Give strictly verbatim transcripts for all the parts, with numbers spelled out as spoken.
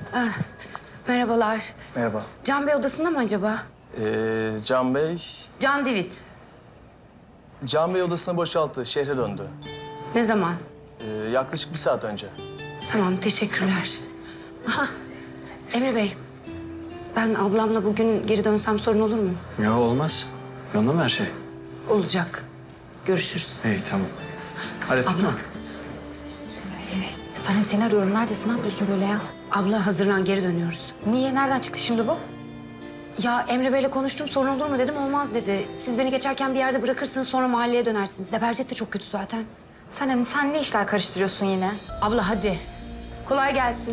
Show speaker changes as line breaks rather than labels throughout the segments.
Ah, merhabalar.
Merhaba.
Can Bey odasında mı acaba?
Ee, Can Bey...
Can Divit.
Can Bey odasını boşalttı, şehre döndü.
Ne zaman?
Ee, yaklaşık bir saat önce.
Tamam, teşekkürler. Aha, Emre Bey. Ben ablamla bugün geri dönsem sorun olur mu?
Ya olmaz. Yolunda mı her şey?
Olacak. Görüşürüz.
İyi tamam. Hallettin
Abla.
mi?
Sanem seni arıyorum. Neredesin? Ne yapıyorsun böyle ya?
Abla hazırlan, geri dönüyoruz.
Niye? Nereden çıktı şimdi bu?
Ya Emre Bey'le konuştum, sorun olur mu dedim, olmaz dedi. Siz beni geçerken bir yerde bırakırsınız, sonra mahalleye dönersiniz. Zebercet de çok kötü zaten.
Sanem sen ne işler karıştırıyorsun yine?
Abla hadi. Kolay gelsin.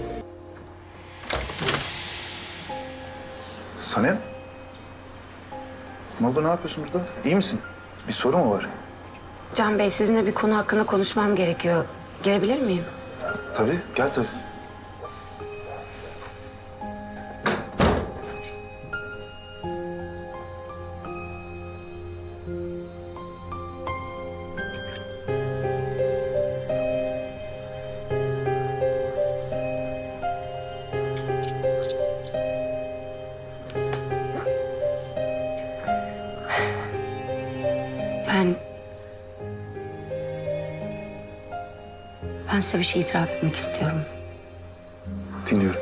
Sanem? Ne oldu, ne yapıyorsun burada? İyi misin? Bir sorun mu var?
Can Bey, sizinle bir konu hakkında konuşmam gerekiyor. Gelebilir miyim?
Tabii, gel tabii.
Ben... Ben size bir şey itiraf etmek istiyorum.
Dinliyorum.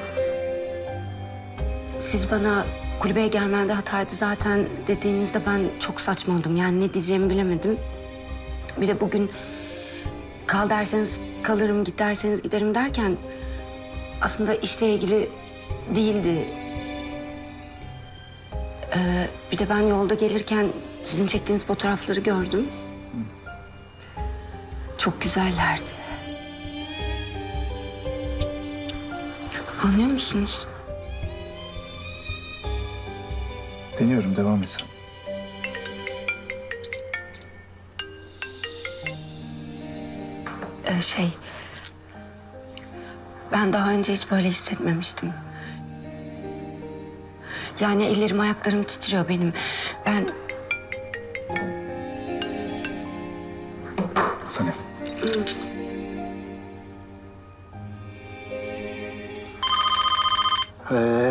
Siz bana kulübeye gelmende hataydı zaten dediğinizde ben çok saçmaladım. Yani ne diyeceğimi bilemedim. Bir de bugün kal derseniz kalırım, git derseniz giderim derken... aslında işle ilgili değildi. Ee, bir de ben yolda gelirken sizin çektiğiniz fotoğrafları gördüm. Çok güzellerdi. Anlıyor musunuz?
Dinliyorum, devam et sen.
Ee, şey... Ben daha önce hiç böyle hissetmemiştim. Yani ellerim, ayaklarım titriyor benim. Ben...
Sanem. Ee,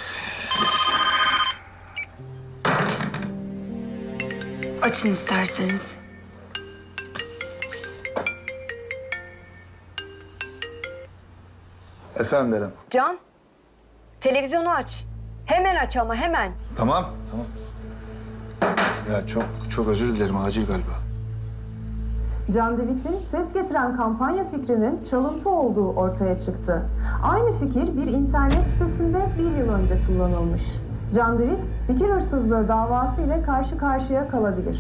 Açın isterseniz.
efendim Beren.
Can, televizyonu aç. Hemen aç ama hemen.
Tamam, tamam. Ya çok, çok özür dilerim, acil galiba.
Can Divit'in ses getiren kampanya fikrinin çalıntı olduğu ortaya çıktı. Aynı fikir bir internet sitesinde bir yıl önce kullanılmış. Can Divit, fikir hırsızlığı davası ile karşı karşıya kalabilir.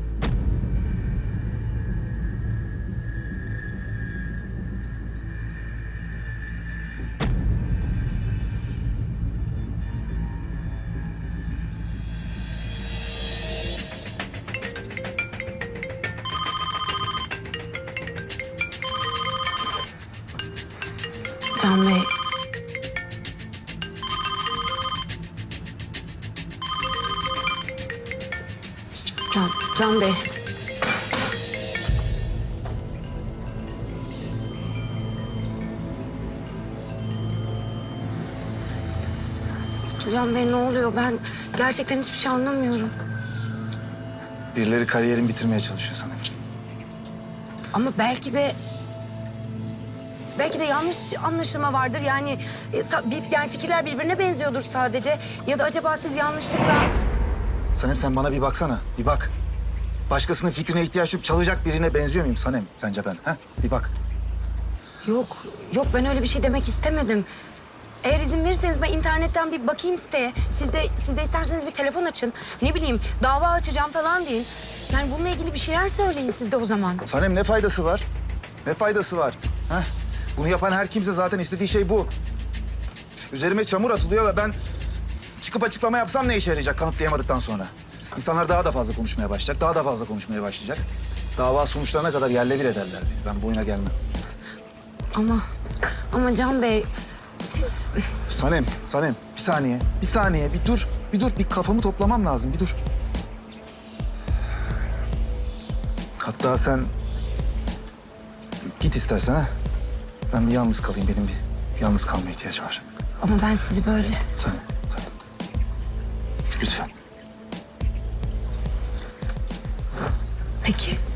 Can Bey... Can, Can Bey... Can Bey ne oluyor? Ben gerçekten hiçbir şey anlamıyorum.
Birileri kariyerini bitirmeye çalışıyor Sanem.
Ama belki de... Belki de yanlış anlaşılma vardır. Yani, e, sa- bir- yani fikirler birbirine benziyordur sadece. Ya da acaba siz yanlışlıkla...
Sanem sen bana bir baksana, bir bak. Başkasının fikrine ihtiyaç duyup çalacak birine benziyor muyum Sanem sence ben? Ha? Bir bak.
Yok, yok ben öyle bir şey demek istemedim. Eğer izin verirseniz ben internetten bir bakayım siteye. Siz de, siz de isterseniz bir telefon açın. Ne bileyim, dava açacağım falan deyin. Yani bununla ilgili bir şeyler söyleyin siz de o zaman.
Sanem ne faydası var? Ne faydası var? Ha? Bunu yapan her kimse zaten istediği şey bu. Üzerime çamur atılıyor ve ben çıkıp açıklama yapsam ne işe yarayacak kanıtlayamadıktan sonra? İnsanlar daha da fazla konuşmaya başlayacak, daha da fazla konuşmaya başlayacak. Dava sonuçlarına kadar yerle bir ederler beni. Ben bu oyuna gelmem.
Ama, ama Can Bey, siz...
Sanem, Sanem bir saniye, bir saniye, bir dur. Bir dur, bir kafamı toplamam lazım, bir dur. Hatta sen git istersen ha. Ben bir yalnız kalayım, benim bir yalnız kalmaya ihtiyacı var.
Ama ben sizi böyle...
Sen, sen. Lütfen.
Peki.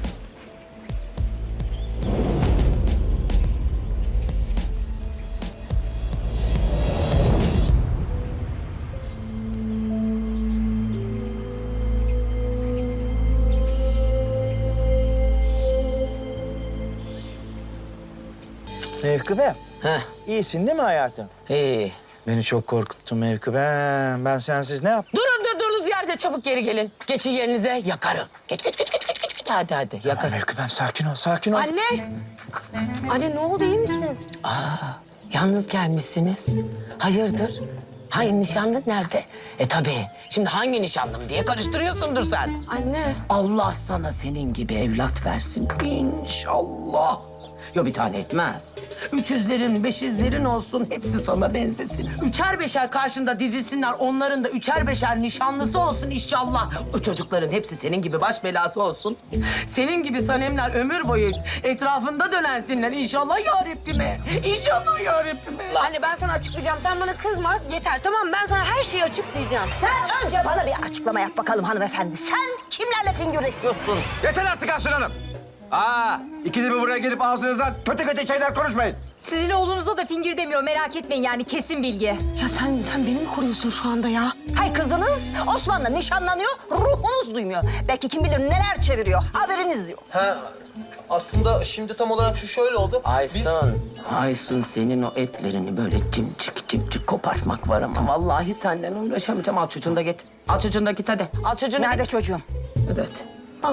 Mevkübe,
Heh,
iyisin değil mi hayatım?
iyi.
Beni çok korkuttun Mevkübe. Ben sensiz ne yap?
Durun durduğunuz yerde çabuk geri gelin. Geçin yerinize yakarım. Geç geç geç geç geç geç. geç. Hadi hadi
Tamam
yakarım.
Mevkübem, sakin ol, sakin ol.
Anne! Anne ne oldu iyi misin?
Yalnız gelmişsiniz. Hayırdır? Hayır nişanlın nerede? E tabii. Şimdi hangi nişanlım diye karıştırıyorsundur sen.
Anne.
Allah sana senin gibi evlat versin inşallah. Yo bir tane etmez. Üç yüzlerin, beş yüzlerin olsun hepsi sana benzesin. Üçer beşer karşında dizilsinler, onların da üçer beşer nişanlısı olsun inşallah. O çocukların hepsi senin gibi baş belası olsun. Senin gibi sanemler ömür boyu etrafında dönensinler inşallah ya Rabbime. İnşallah ya Rabbime.
Anne ben sana açıklayacağım. Sen bana kızma. Yeter tamam mı? Ben sana her şeyi açıklayacağım.
Sen önce bana bir açıklama yap bakalım hanımefendi. Sen kimlerle fingirdeşiyorsun?
Yeter artık Aslı Hanım. Aa, ikide bir buraya gelip ağzınızdan kötü kötü şeyler konuşmayın.
Sizin oğlunuza da fingir demiyor. Merak etmeyin yani kesin bilgi. Ya sen sen beni mi koruyorsun şu anda ya?
Hay kızınız Osman'la nişanlanıyor, ruhunuz duymuyor. Belki kim bilir neler çeviriyor, haberiniz yok.
Ha, aslında şimdi tam olarak şu şöyle oldu.
Aysun, Aysun senin o etlerini böyle cimcik cimcik kopartmak var ama vallahi senden uğraşamayacağım. Al çocuğunu da git. Al çocuğunu da git hadi. Al çocuğunu
Nerede
git.
çocuğum?
Evet. Al.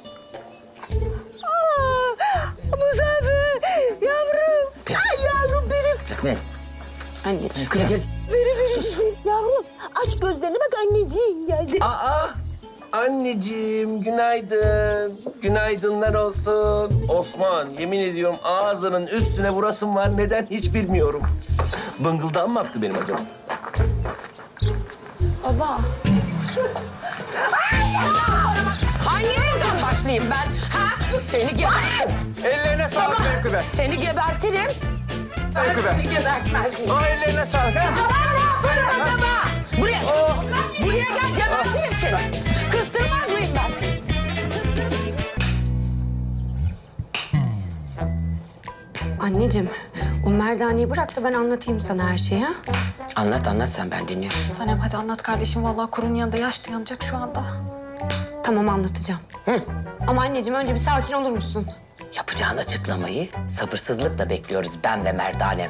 Muzaffer, yavrum.
Biraz.
Ay yavrum benim.
Bırak ver.
Anneciğim.
Gel gel.
Verin, verin, verin. Yavrum, aç gözlerini bak anneciğim geldi.
Aa, anneciğim günaydın. Günaydınlar olsun. Osman, yemin ediyorum ağzının üstüne vurasım var. Neden hiç bilmiyorum. Bıngıldan mı attı benim acaba?
Baba.
Hangi yerden başlayayım ben? Ha? Seni gebertirim.
Ellerine sağlık Mevkübe.
Seni gebertirim. Ben
Mevkübe.
seni gebertmez miyim?
O ellerine sağlık. ha?
Bana bak baba. Buraya. Buraya gel gebertirim seni. Kıstırmaz mıyım ben?
Anneciğim, o merdaneyi bırak da ben anlatayım sana her şeyi ha.
Anlat anlat sen ben dinliyorum.
Sanem hadi anlat kardeşim. Vallahi kurun yanında yaş dayanacak şu anda.
Tamam anlatacağım. Ama anneciğim önce bir sakin olur musun?
Yapacağın açıklamayı sabırsızlıkla bekliyoruz ben ve Merdanem.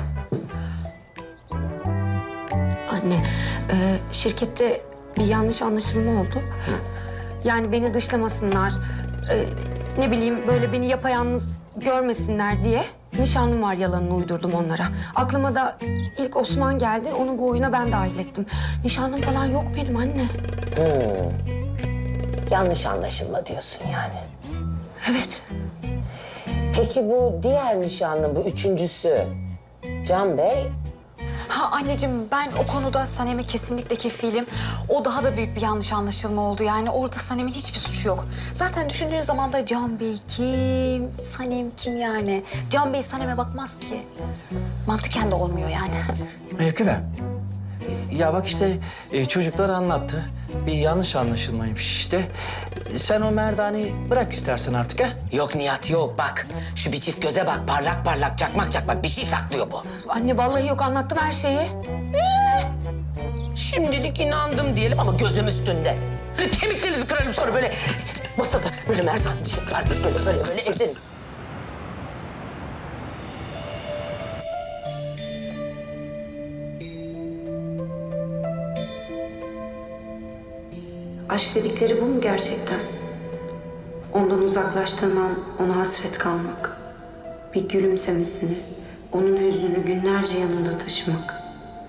Anne, e, şirkette bir yanlış anlaşılma oldu. Yani beni dışlamasınlar, e, ne bileyim böyle beni yapayalnız görmesinler diye nişanlım var yalanını uydurdum onlara. Aklıma da ilk Osman geldi, onu bu oyuna ben dahil ettim. Nişanlım falan yok benim anne.
Yanlış anlaşılma diyorsun yani.
Evet.
Peki bu diğer nişanlın, bu üçüncüsü Can Bey?
Ha anneciğim ben o konuda Sanem'e kesinlikle kefilim. O daha da büyük bir yanlış anlaşılma oldu. Yani orada Sanem'in hiçbir suçu yok. Zaten düşündüğün zaman da Can Bey kim, Sanem kim yani? Can Bey Sanem'e bakmaz ki. Mantıken de olmuyor yani.
Mevkübe. Ya bak işte e, çocuklar anlattı. Bir yanlış anlaşılmaymış işte. Sen o merdaneyi bırak istersen artık ha.
Yok Nihat yok bak. Şu bir çift göze bak parlak parlak çakmak çakmak bir şey saklıyor bu.
Anne vallahi yok anlattım her şeyi.
Şimdilik inandım diyelim ama gözüm üstünde. Böyle kemiklerinizi kırarım sonra böyle masada böyle merdane var böyle böyle böyle evden.
Aşk dedikleri bu mu gerçekten? Ondan uzaklaştığın an ona hasret kalmak. Bir gülümsemesini, onun hüznünü günlerce yanında taşımak.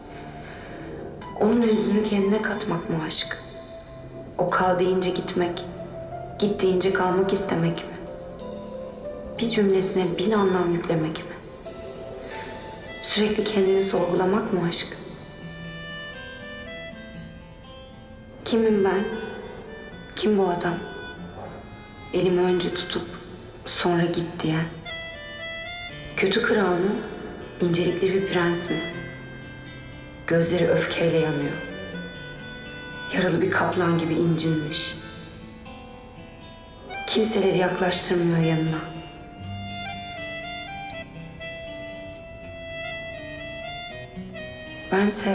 Onun hüznünü kendine katmak mı aşk? O kal deyince gitmek, git deyince kalmak istemek mi? Bir cümlesine bin anlam yüklemek mi? Sürekli kendini sorgulamak mı aşk? Kimim ben? Kim bu adam? Elimi önce tutup sonra git diyen. Kötü kral mı? İncelikli bir prens mi? Gözleri öfkeyle yanıyor. Yaralı bir kaplan gibi incinmiş. Kimseleri yaklaştırmıyor yanına. Bense...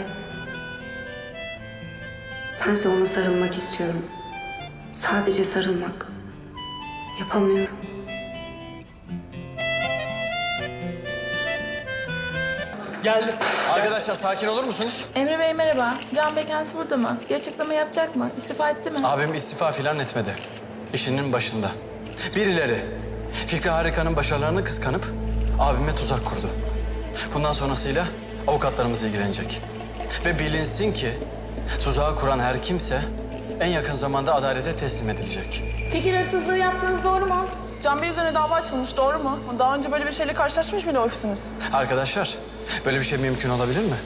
Bense ona sarılmak istiyorum. Sadece sarılmak. Yapamıyorum.
Geldim. Arkadaşlar sakin olur musunuz?
Emre Bey merhaba. Can Bey kendisi burada mı? Bir açıklama yapacak mı? İstifa etti mi?
Abim istifa filan etmedi. İşinin başında. Birileri Fikri Harika'nın başarılarını kıskanıp abime tuzak kurdu. Bundan sonrasıyla avukatlarımız ilgilenecek. Ve bilinsin ki tuzağı kuran her kimse en yakın zamanda adalete teslim edilecek.
Fikir hırsızlığı yaptığınız doğru mu?
Can Bey üzerine dava açılmış, doğru mu? Daha önce böyle bir şeyle karşılaşmış mıydı ofisiniz?
Arkadaşlar böyle bir şey mümkün olabilir mi?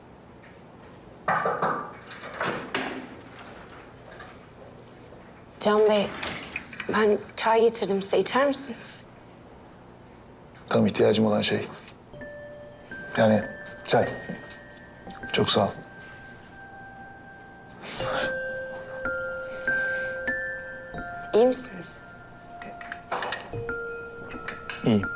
Can Bey, ben çay getirdim size. İçer misiniz?
Tam ihtiyacım olan şey. Yani çay. Çok sağ ol.
İyi misiniz?
İyiyim.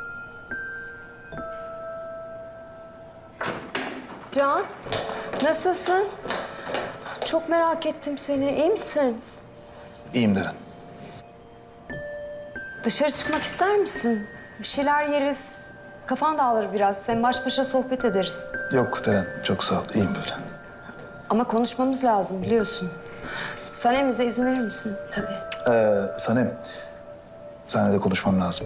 Can, nasılsın? Çok merak ettim seni. İyi misin?
İyiyim Deren.
Dışarı çıkmak ister misin? Bir şeyler yeriz. Kafan dağılır biraz. Sen baş başa sohbet ederiz.
Yok Deren, çok sağ ol. İyiyim böyle.
Ama konuşmamız lazım biliyorsun. Sanem bize izin verir misin?
Tabii.
Ee, Sanem, seninle de konuşmam lazım.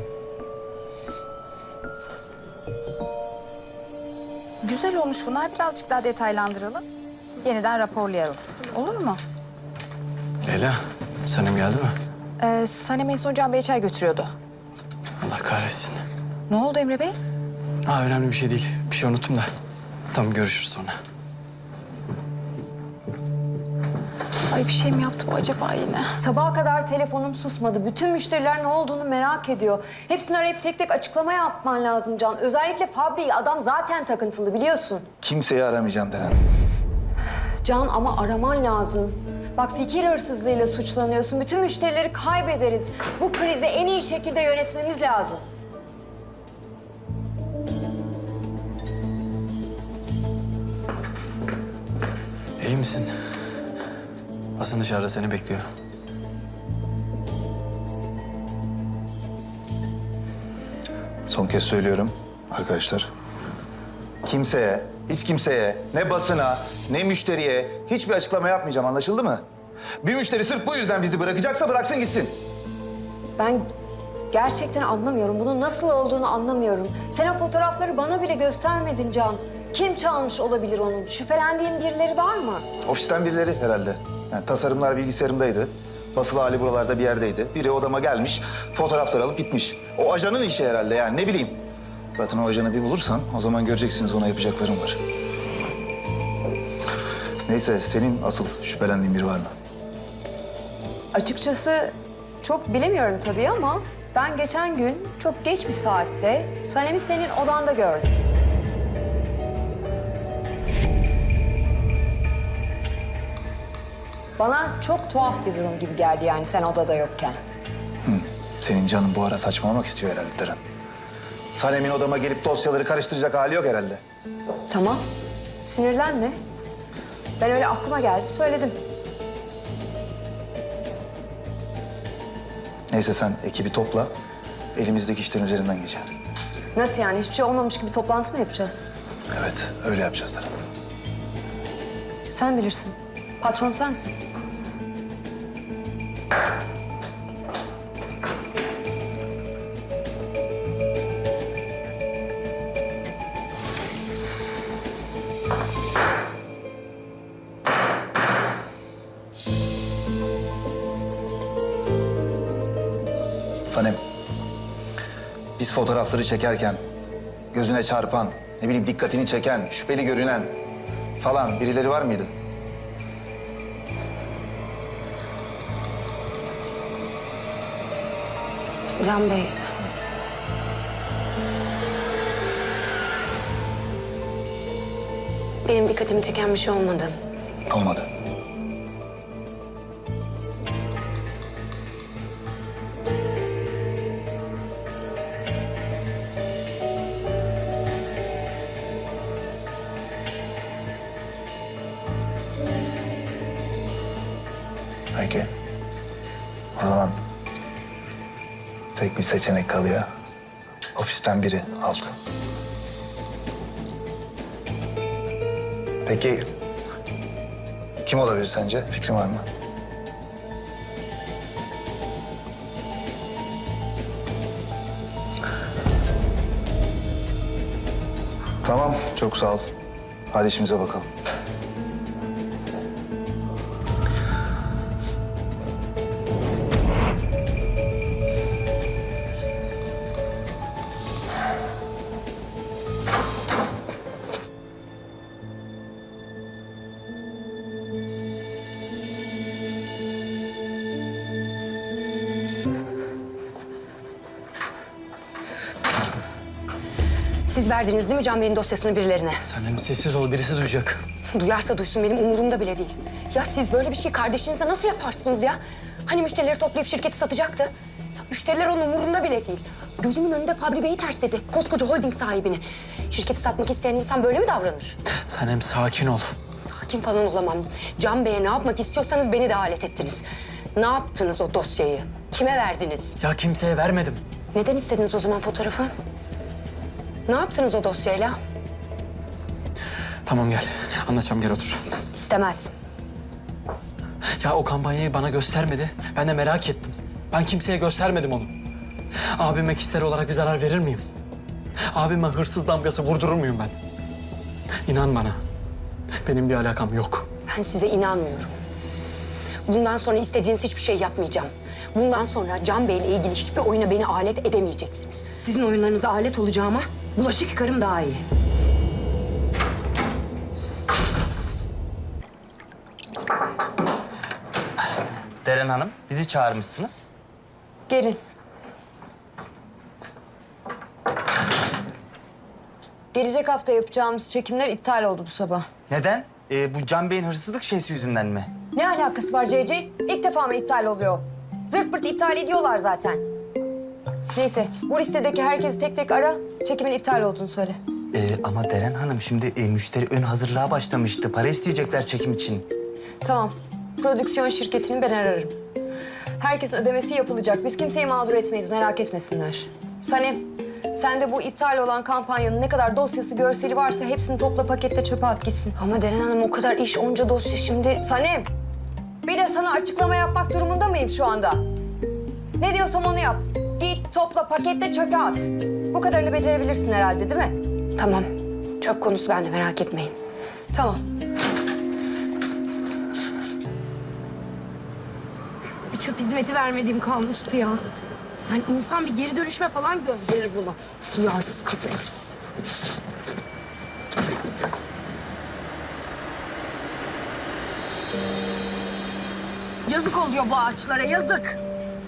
Güzel olmuş bunlar. Birazcık daha detaylandıralım. Yeniden raporlayalım. Olur mu?
Leyla, Sanem geldi mi?
Ee, Sanem en son Can Bey'e çay götürüyordu.
Allah kahretsin.
Ne oldu Emre Bey?
Ha önemli bir şey değil. Bir şey unuttum da. Tamam görüşürüz sonra.
Ay bir şey mi yaptı bu acaba yine?
Sabaha kadar telefonum susmadı. Bütün müşteriler ne olduğunu merak ediyor. Hepsini arayıp tek tek açıklama yapman lazım Can. Özellikle Fabri'yi, adam zaten takıntılı biliyorsun.
Kimseyi aramayacağım Deren.
Can ama araman lazım. Bak fikir hırsızlığıyla suçlanıyorsun. Bütün müşterileri kaybederiz. Bu krizi en iyi şekilde yönetmemiz lazım.
İyi misin? Hasan dışarıda seni bekliyor.
Son kez söylüyorum arkadaşlar. Kimseye, hiç kimseye, ne basına, ne müşteriye hiçbir açıklama yapmayacağım, anlaşıldı mı? Bir müşteri sırf bu yüzden bizi bırakacaksa bıraksın gitsin.
Ben gerçekten anlamıyorum. Bunun nasıl olduğunu anlamıyorum. Sen o fotoğrafları bana bile göstermedin Can. Kim çalmış olabilir onu? Şüphelendiğin birileri var mı?
Ofisten birileri herhalde. Yani tasarımlar bilgisayarımdaydı. Basılı hali buralarda bir yerdeydi. Biri odama gelmiş, fotoğraflar alıp gitmiş. O ajanın işi herhalde yani, ne bileyim. Zaten o ajanı bir bulursan o zaman göreceksiniz, ona yapacaklarım var. Neyse, senin asıl şüphelendiğin biri var mı?
Açıkçası çok bilemiyorum tabii ama ben geçen gün çok geç bir saatte Sanem'i senin odanda gördüm. Bana çok tuhaf bir durum gibi geldi yani sen odada yokken.
Hı. Senin canın bu ara saçmalamak istiyor herhalde Deren. Sanem'in odama gelip dosyaları karıştıracak hali yok herhalde.
Tamam, sinirlenme. Ben öyle aklıma geldi söyledim.
Neyse sen ekibi topla, elimizdeki işlerin üzerinden geçelim.
Nasıl yani? Hiçbir şey olmamış gibi toplantı mı yapacağız?
Evet, öyle yapacağız Deren.
Sen bilirsin. Patron sensin.
Sanem, biz fotoğrafları çekerken gözüne çarpan, ne bileyim dikkatini çeken, şüpheli görünen falan birileri var mıydı?
Can Bey. Benim dikkatimi çeken bir şey olmadı.
Olmadı. Peki. O zaman tek bir seçenek kalıyor. Ofisten biri aldı. Peki kim olabilir sence? Fikrin var mı? Tamam, çok sağ ol. Hadi işimize bakalım.
Siz verdiniz değil mi Can Bey'in dosyasını birilerine?
Sen de mi sessiz ol, birisi duyacak.
Duyarsa duysun, benim umurumda bile değil. Ya siz böyle bir şey kardeşinize nasıl yaparsınız ya? Hani müşterileri toplayıp şirketi satacaktı? Ya müşteriler onun umurunda bile değil. Gözümün önünde Fabri Bey'i tersledi. Koskoca holding sahibini. Şirketi satmak isteyen insan böyle mi davranır?
Sen hem sakin ol.
Sakin falan olamam. Can Bey'e ne yapmak istiyorsanız beni de alet ettiniz. Ne yaptınız o dosyayı? Kime verdiniz?
Ya kimseye vermedim.
Neden istediniz o zaman fotoğrafı? Ne yaptınız o dosyayla?
Tamam gel, anlatacağım, gel otur.
İstemez.
Ya o kampanyayı bana göstermedi. Ben de merak ettim. Ben kimseye göstermedim onu. Abime kişisel olarak bir zarar verir miyim? Abime hırsız damgası vurdurur muyum ben? İnan bana. Benim bir alakam yok.
Ben size inanmıyorum. Bundan sonra istediğiniz hiçbir şey yapmayacağım. Bundan sonra Can Bey'le ilgili hiçbir oyuna beni alet edemeyeceksiniz. Sizin oyunlarınıza alet olacağıma bulaşık yıkarım daha iyi.
Deren Hanım, bizi çağırmışsınız.
Gelin. Gelecek hafta yapacağımız çekimler iptal oldu bu sabah.
Neden? Ee, bu Can Bey'in hırsızlık şeysi yüzünden mi?
Ne alakası var C C? İlk defa mı iptal oluyor? Zırt pırt iptal ediyorlar zaten. Neyse, bu listedeki herkesi tek tek ara, çekimin iptal olduğunu söyle.
Ee, ama Deren Hanım şimdi e, müşteri ön hazırlığa başlamıştı. Para isteyecekler çekim için.
Tamam, prodüksiyon şirketini ben ararım. Herkesin ödemesi yapılacak. Biz kimseyi mağdur etmeyiz, merak etmesinler. Sanem, sen de bu iptal olan kampanyanın ne kadar dosyası, görseli varsa hepsini topla, pakette çöpe at gitsin. Ama Deren Hanım, o kadar iş, onca dosya şimdi. Sanem, bir de sana açıklama yapmak durumunda mıyım şu anda? Ne diyorsam onu yap. Git, topla, paketle, çöpe at. Bu kadarını becerebilirsin herhalde, değil mi? Tamam, çöp konusu bende, merak etmeyin. Tamam.
Bir çöp hizmeti vermediğim kalmıştı ya. Yani insan bir geri dönüşme falan gönderir bunu. Duyarsız kadın. Yazık oluyor bu ağaçlara, yazık.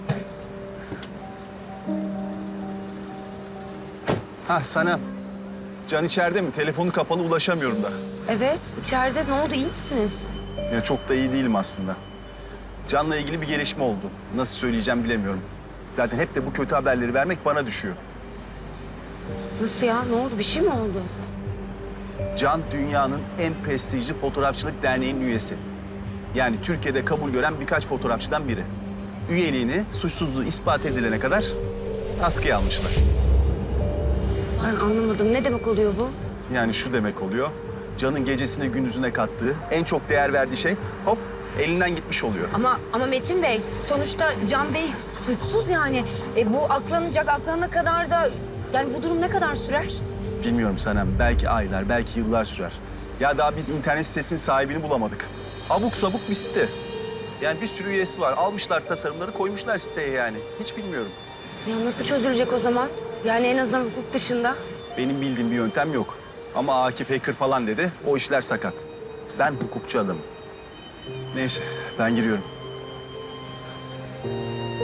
Hah sana. Can içeride mi? Telefonu kapalı, ulaşamıyorum da.
Evet, içeride. Ne oldu, iyi misiniz?
Ya çok da iyi değilim aslında. Can'la ilgili bir gelişme oldu. Nasıl söyleyeceğim bilemiyorum. Zaten hep de bu kötü haberleri vermek bana düşüyor.
Nasıl ya, ne oldu, bir şey mi oldu?
Can dünyanın en prestijli fotoğrafçılık derneğinin üyesi. Yani Türkiye'de kabul gören birkaç fotoğrafçıdan biri. Üyeliğini suçsuzluğu ispat edilene kadar askıya almışlar.
Ben anlamadım, ne demek oluyor bu?
Yani şu demek oluyor. Can'ın gecesine gündüzüne kattığı, en çok değer verdiği şey hop elinden gitmiş oluyor.
Ama ama Metin Bey, sonuçta Can Bey suçsuz yani. E, bu aklanacak, aklanana kadar da... Yani bu durum ne kadar sürer?
Bilmiyorum Sanem. Belki aylar, belki yıllar sürer. Ya daha biz internet sitesinin sahibini bulamadık. Abuk sabuk bir site. Yani bir sürü üyesi var. Almışlar tasarımları, koymuşlar siteye yani. Hiç bilmiyorum.
Ya nasıl çözülecek o zaman? Yani en azından hukuk dışında.
Benim bildiğim bir yöntem yok. Ama Akif hacker falan dedi. O işler sakat. Ben hukukçu adamım. Neyse, ben giriyorum.